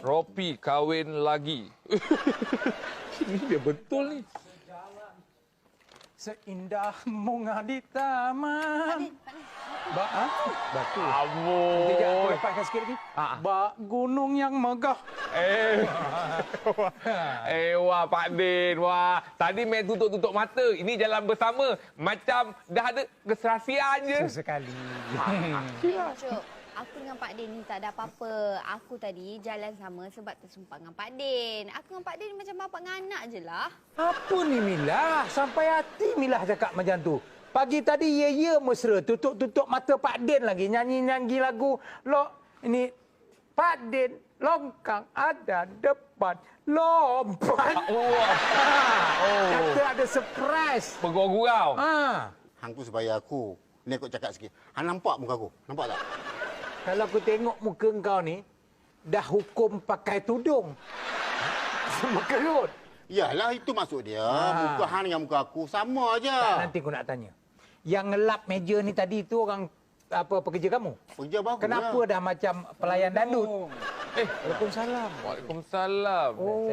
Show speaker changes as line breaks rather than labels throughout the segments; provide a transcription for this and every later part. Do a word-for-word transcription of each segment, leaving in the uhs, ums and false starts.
Ropi kahwin lagi. Ini dia betul ni.
Seindah bunga di taman. Ba, ha? Batu.
Amboi.
Kejap, aku lepaskan sikit lagi.
Ha.
Bak gunung yang megah.
Eh. eh, wah Pak Din. Wah, tadi main tutup-tutup mata. Ini jalan bersama. Macam dah ada keserasian je.
Sesekali.
Eh, Cuk, aku dengan Pak Din ni tak ada apa-apa. Aku tadi jalan sama sebab tersumpat dengan Pak Din. Aku dengan Pak Din macam bapak dengan anak je lah.
Apa ni Milah? Sampai hati Milah cakap macam tu. Pagi tadi ya-ya mesra. Tutup-tutup mata Pak Din lagi. Nyanyi-nyanyi lagu. Lo, ini Pak Din longkang ada depan. Lompat.
Wah. Oh.
Kata ada surprise.
Bergurau-gurau.
Ha.
Hang tu supaya aku. Ni aku cakap sikit. Hang nampak muka aku? Nampak tak?
Kalau aku tengok muka kau ni, dah hukum pakai tudung. Semua kerut.
Yalah, itu maksud dia.
Ha.
Muka hang dengan muka aku sama aja.
Tak, nanti aku nak tanya. Yang ngelap meja ni tadi tu orang apa pekerja kamu?
Kerja bagus
Kenapa
lah.
dah macam pelayan dandut?
Eh,
Waalaikumsalam.
Waalaikumsalam.
Oh.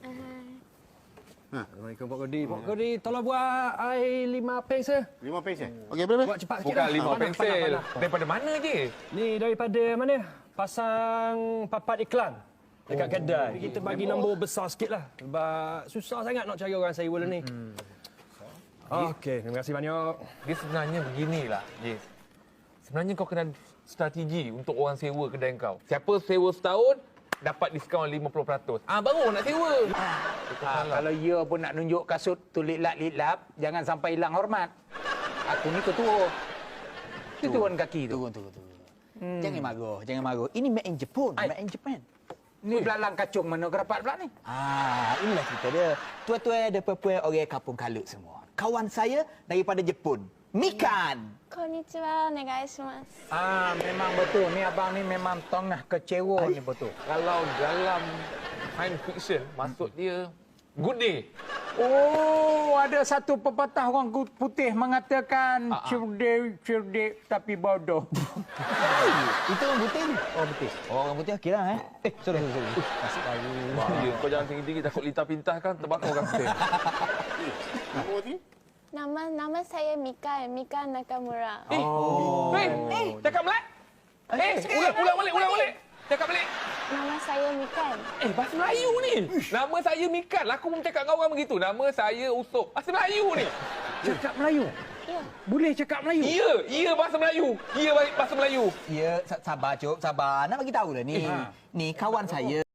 Assalamualaikum Pak Kodi. Pak Kodi, tolong buat air lima peng saya.
Lima pes eh? Okey, boleh, boleh?
Buat cepat sikit
Bukan
lah.
lima
Panas,
pensel.
panas, panas.
Daripada mana je?
Ni daripada mana? Pasang papat iklan dekat
Oh,
kedai. Kita bagi nombor besar sikit lah. Sebab susah sangat nak cari orang sewa ni. Hmm. Okey, terima kasih banyak.
Dia sebenarnya beginilah, Jis. Sebenarnya kau kena strategi untuk orang sewa kedai kau. Siapa sewa setahun, dapat diskaun lima puluh peratus. Ah, baru nak sewa.
Ha, kalau ya pun nak nunjuk kasut tu litlap-litlap, jangan sampai hilang hormat. Aku ni ketua. Itu turun kaki tu.
Turun, turun, turun. Hmm. Jangan marah, jangan marah. Ini made in Japan,
Ai.
made in Japan.
Ni belalang kacung mana kerapat pula ni?
Ah, inilah cerita dia. Tuan-tuan dan puan-puan orang kampung Kalut semua. Kawan saya daripada Jepun, Mikan.
Konnichiwa, onegaishimasu.
Ah, memang betul. Ni abang ni memang tengah kecewa ni betul.
Kalau dalam science fiction, maksud dia good day.
Oh, ada satu pepatah orang putih mengatakan
Ah, ah.
cerdik, cerdik tapi bodoh.
Itu orang putih ni.
Oh, betul.
Oh, orang putih okeylah eh. Eh, sorry, sorry. sorry. Nasib baik.
Bahaya. Kau jangan tinggi-tinggi, takut lintah pintah kan terbakar orang putih.
Nama ni?
Nama nama saya Mika, Mika Nakamura.
Eh, eh, eh, cakap Melayu. Eh, ulang, ulang balik, ulang balik. Cakap balik.
Nama saya Mika.
Eh, bahasa Melayu ni. Nama saya Mikan. Aku pun cakap dengan orang begitu. Nama saya Usop. Bahasa Melayu ni.
Cakap Melayu.
Ya.
Boleh cakap Melayu.
Ya, ya bahasa Melayu. Ya bahasa Melayu.
Ya, sa- sabar, Cuk, sabar. Nak bagi tahu dah ni.
Ha.
Ni kawan saya.